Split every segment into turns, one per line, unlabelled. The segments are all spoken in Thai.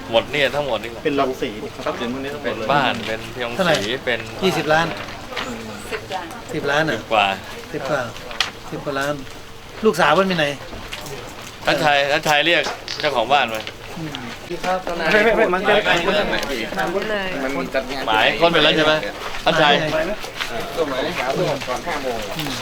หมดเนี่ยทั้งหมดนี่
เป็นโรงสี
ทรัพย์สินพวกนี้ทั้งหม
เป็
ด
น
เลย
บ้านเป็นเพียงสีเป็น
20 ล้าน 10 ล้านอ่ะ
กว่า
10 กว่าล้าน ลูกสาวมันไปไหน
ท่านชายเรียกเจ้าของบ้านมา
ไม่มันเป็น
มันจัดงาน
หมายคนเป็นแล้วใช่ไหมท่านชาย
ตัวหมายหาตัวก่อน5 โมง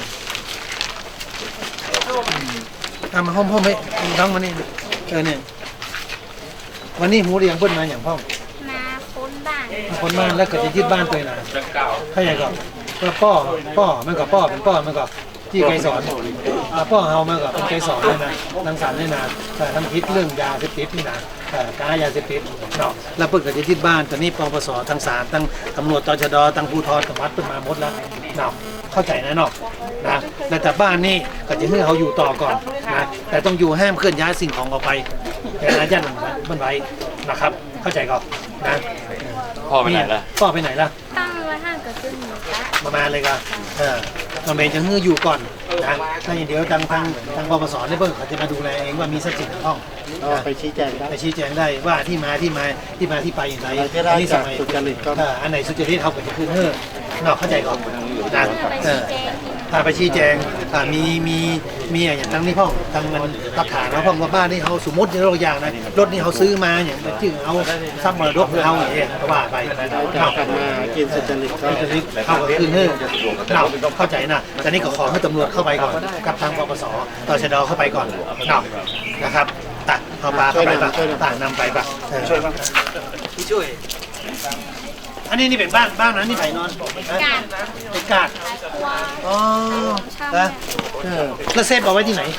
มาห้องไปน้องมานี่เนี่ยวันนี้หูเรียงเพิ่นมาอย่างพ่อ
มาค้นบ้าน
มาคนบ้านแล้วก็จะยึดบ้านตัวเองนะถ้าอย่างก็พ่อมันก็พ่อเป็นพ่อมันก็ที่ไกรสอนพ่อเฮามันก็เป็นไกรสอนเลยนะรังสรรค์เลยนะแต่ทำพิษเรื่องยาเสพติดนี่นะการยาเสพติดเนาะแล้วเพิ่นก็จะยึดบ้านตอนนี้ปปสทางศาลทั้งตำรวจตชดทั้งภูธรกับวัดเพิ่นมาหมดแล้วเนาะเข้าใจนะเนาะนะแต่บ้านนี่ก็จะให้เขาอยู่ต่อก่อนนะแต่ต้องอยู่ห้ามเคลื่อนย้ายสิ่งของออกไปแต่อาญาตมันไว้นะครับเข้าใจก่อนนะ
พ่อไปไหนล่ะ
พ่อไปไหนล่ะ
ตั้งไว้ห้างกับซึ่งหมูกะ
ประมาณเลยครับตอนเมย์จะฮื้ออยู่ก่อนนะถ้าอย่างเดียวทางปปสเนี่ยเพิ่งเขาจะมาดูแลเองว่ามีทรัพย์สินห้อง
ไปชี้แจงได้
ไปชี้แจงได้ว่าที่มาที่ไปอย่างไร
จะได้จากสุจริตก็
อันไหนสุจริตเขาก็จะคืนเฮ้อนอกเข้าใจก่อนนะ
ไปชี้แจงที่
พาไปชี้แจงมีอย่างทั้งนี้พ่องทางมันหลักฐานว่าพ่องว่าบ้านนี่เขาสมมติอย่างนะรถนี่เขาซื้อมาอย่างชื่อเอาทรัพย์มรดกเอาอย่างเงี้ยก็ว่าไป
จากกันมากินสุจริตก็
จะเข้ากับคืนเฮ้เราเข้าใจนะแต่นี่ก็ขอให้ตำรวจเข้าไปก่อนกับทางปปสตชดเข้าไปก่อนนะครับตัดเอาปลาเข้าไปปะต่างนำไปปะช่วยบ้างพี่ช่วยอันนี้นี่เป็นบ้านนั้นนี่ไผ่นอนเป็นกาดอ๋อแล้วเซฟเอาไว้ที่ไหน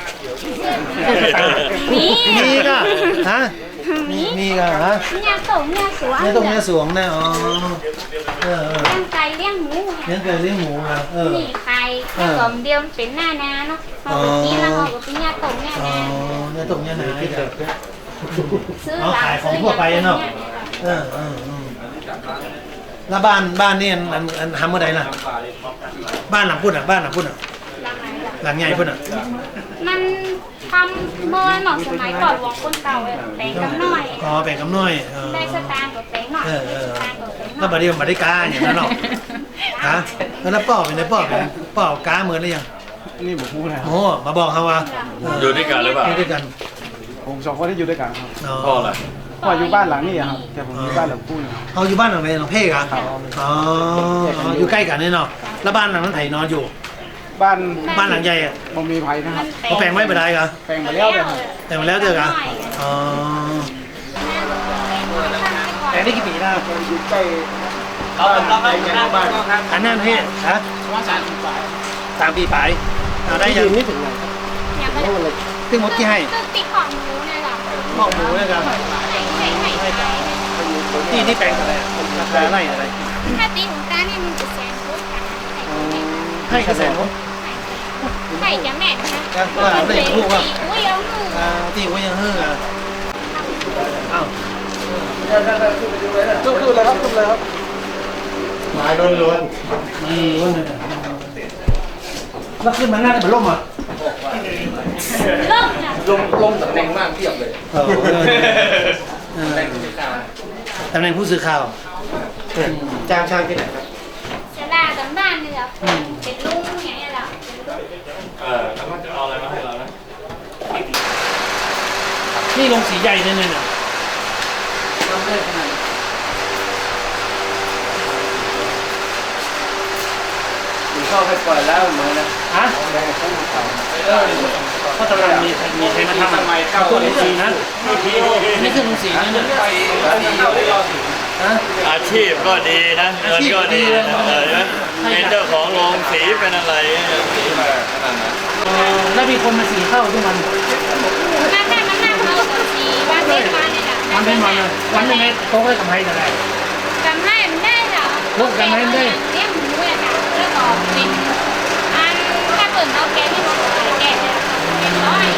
มีก็ฮะมีก็ฮะ
เนี่ยโตเนี่ยสวน
เนี่ยตรงเนี้ยสวงนะอ๋อ
เลี้ยงไก่เลี้ยงหมู
เลี้ยงไก่เลี้ยงหมูนะ
นี่ไข่กลมเดียวเป็นหน้านาเนาะพอไปกินแล้วเขาก็เป็นเนี่ยโตเนี่ย
อ๋อ
นา
เนี่ยตรงเนี้ยนะ
ซื้อ
เอาขายของทั่วไปเนาะแล้วบ้านนี่อันทำเมื่อใดล่ะบ้านหลังพุ่นอ่ะหลังใหญ่พุ่นอ่ะ
มันทำเมื่อหน่อสมัยก่อนวงคนเก่าแปลงกับน้อย
อ๋อแบ่งกำน้อย
ได้สตางค์กับแปลงหน่อยสตางค์กับแปลงหน่
แล้ว
อย
บัดนี้มันได้กาอย่างนั้นหรอกฮะแล้วป้อเป็นไงป้อกาเหมือนหรือยัง
นี่ผมพูดนะ
โอ้มาบอกเขาว่า
อยู่ด้วยกันหรือเปล่า
อยู่ด้วยกัน
ผม2 คนที่อยู่ด้วยกันครับ
พ่อล่ะ
พ่ออยู่บ้านหลังนี้ครับแต่ผมอยู่บ้านหลังคู่นะ
เขาอยู่บ้านหลังไหนหลังเพ่กันอ๋ออยู่ใกล้กันนี่เนาะแล้วบ้านหลังนั้นไถนอนอยู่
บ้าน
บ้านหลังใหญ่อะ
ผมมีภัยนะครับ
เขาแปลงไว้ไม่ได้กัน
แปลงมาแล้วเลยครับ
แต่มาแล้วเจอกันอ๋อแต่นี่กี่ปีแล้ว
อยู่ใกล้
อันนั้นพี่ฮะ
ว่า3 ปี
3 ปีไปได้ยัง
นี่ถึงไหน
เนี่ยไม่ได้
ซึ่งมดที่ให้
ตึกติดของหมูเนี่ยหรอ
หมอกหมูเลยครับ ที่แปลงอะไรราคาไร่อะไร
ถ้าตีของตาเนี่ยมันจะแสนพุทธค่ะ
ให้กระแสน
ไข่จะแม่นนะ
ว่าได้ลูกว่า
อุ้ยเอาหนู
ที่ว่ายังเฮืออ้าว
ขึ้นเลยครับ
ไม้ล้วนล้วนเลยแล้วขึ้นมาหน้าได้เป็นร่มอ่ะ
เริ่มจ้ะ
ลมตำแหน่งมากเทียบเลย
ตำแหน่งผู้สื่อข่าว
จ้างช่างที่ไหนครับ
จะลากันบ้านนี่เหรอเป็นลุงอย่างเงี้ยเหรอเป็นลุง
แล้วมันจะเอาอะไรมาให้เรานะ
นี่ลงสีใหญ่เนี่ยน่ะ
ผมชอบให้ปล่อยแล้วเหมือนนะ
ฮะเพราะตำแหน่งมีใครมาทำตัวลงสีนะนี่คือลงสีนะเนี่ยฮะ
อาชีพก็ดีนะเงินก็ดีนะเป็นเจ้าของโรงสีเป็นอะไร
แล้วมีคนมาสีเข้าทุกวัน
ถ้ามันนั่งเอากับสีวันเว้นวันนี่แหละ
มันเป็นวันเลยวันยังไงโต๊ะให้กำไรเท่าไหร่
จำให้มันได้เหรอเลี้ยงหมูเนี่ยนะแล้วก็เป็นอันถ้าเปิดเอาแกไม่พอแกเนี่ยเป็นร้อย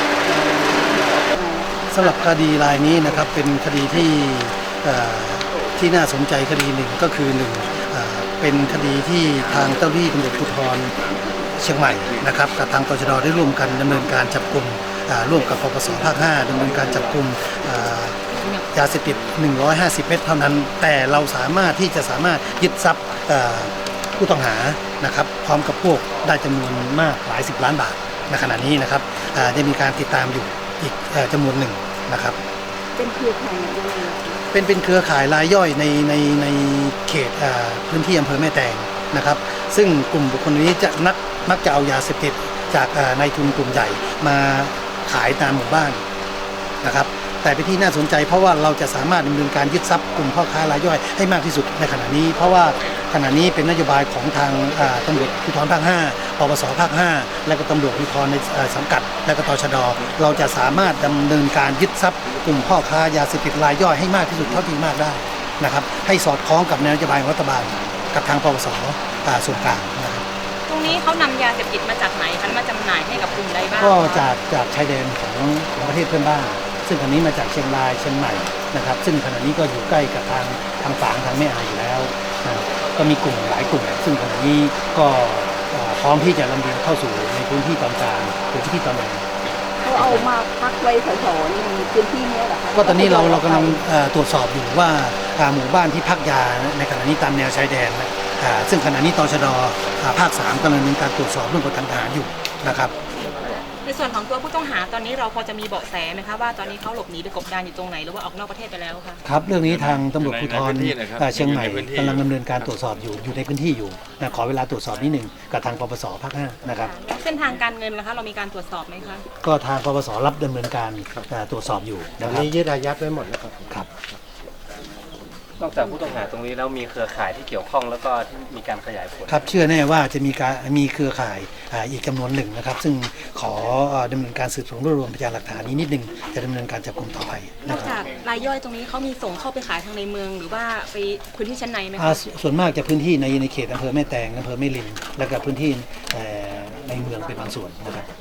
สำหรับคดีรายนี้นะครับเป็นคดีที่น่าสนใจคดีหนึ่งก็คือหนึ่งเป็นคดีที่ทางเจ้าหน้าที่ตำรวจภูธรเชียงใหม่นะครับกับทางตชดได้ร่วมกันดำเนินการจับกลุ่มร่วมกับปปสภาค 5ดำเนินการจับกลุ่มยาเสพติด150 เม็ดเท่านั้น แต่เราสามารถยึดทรัพย์ผู้ต้องหานะครับพร้อมกับพวกได้จำนวนมากหลาย10 ล้านบาทในขณะนี้นะครับจะมีการติดตามอยู่อีกจำนวนหนึ่งนะครับเป็นเครือข่ายยังไงเป็นเครือข่ายรายย่อยในเขตพื้นที่อำเภอแม่แตงนะครับซึ่งกลุ่มบุคคลนี้จะมักจะเอายาเสพติดจากนายทุนกลุ่มใหญ่มาขายตามหมู่บ้านนะครับแต่เป็นที่น่าสนใจเพราะว่าเราจะสามารถดำเนินการยึดทรัพย์กลุ่มพ่อค้ารายย่อยให้มากที่สุดในขณะนี้เพราะว่าขณะนี้เป็นนโยบายของทางตำรวจภูธรภาค 5 ปปสภาค 5 และก็ตำรวจภูธรในสังกัดและก็ตชด.เราจะสามารถดำเนินการยึดทรัพย์กลุ่มพ่อค้ายาเสพติดรายย่อยให้มากที่สุดเท่าที่มากได้นะครับให้สอดคล้องกับนโยบายของรัฐบาลกับทางปปสส่วนกลางนะครับ
ตรงนี้เขานำยาเสพติดมาจากไหนคะมาจำหน่ายให้กับกลุ่มใดบ้าง
ก็จากชายแดนของประเทศเพื่อนบ้านซึ่งขณะนี้มาจากเชียงรายเชียงใหม่นะครับซึ่งขณะนี้ก็อยู่ใกล้กับทางฝางทางแม่อายอยู่แล้วก็มีกลุ่มหลายกลุ่มซึ่งขณะนี้ก็พร้อมที่จะลำเลียงเข้าสู่ในพื้นที่ตอนกลางหรือพื้นที่ตอนเหนือ
เขาเอามาพักไว้แถวๆในพื้นที่นี้เหรอคะ
ก็ตอนนี้เรากำลังตรวจสอบอยู่ว่าหมู่บ้านที่พักยาในขณะนี้ตามแนวชายแดนซึ่งขณะนี้ตชด.ภาค 3กำลังดำเนินการตรวจสอบเรื่องของทางทหารอยู่นะครับ
ในส่วนของตัวผู้ต้องหาตอนนี้เราพอจะมีเบาะแสไหมคะว่าตอนนี้เขาหลบหนีไปกบดานอยู่ตรงไหนหรือว่าออกนอกประเทศไปแล้วคะ
ครับเรื่องนี้ทางตำรวจภูธรเชียงใหม่กำลังดำเนินการตรวจสอบอยู่ในพื้นที่อยู่ขอเวลาตรวจสอบนิดหนึ่งกับทางปปสภาค 5นะครับ
แล้วเส้นทางการเงินนะคะเรามีการตรวจสอบไหมคะ
ก็ทางปปสรับดำเนินการตรวจสอบอยู่นะครับ
นี้ยึดอายัดไว้หมดแล้ว
ครับ
นอกจากผู้ต้องหาตรงนี้แล้วมีเครือข่ายที่เกี่ยวข้องแล้วก็ที่มีการขยายผล
ครับเชื่อแน่ว่าจะมีเครือข่ายอีกจำนวนหนึ่งนะครับซึ่งขอดำเนินการสืบสวนรวบรวมพยานหลักฐานนี้นิดนึงจะดำเนินการจับกุมต่อไป
นอกจากรายย่อยตรงนี้เขามีส่งเข้าไปขายทางในเมืองหรือว่าไปพื้นที่ชั้นในไหมคะ
ส่วนมากจะพื้นที่ในเขตอำเภอแม่แตงอำเภอแม่ริมและก็พื้นที่ในเมืองเป็นบางส่วนนะครับ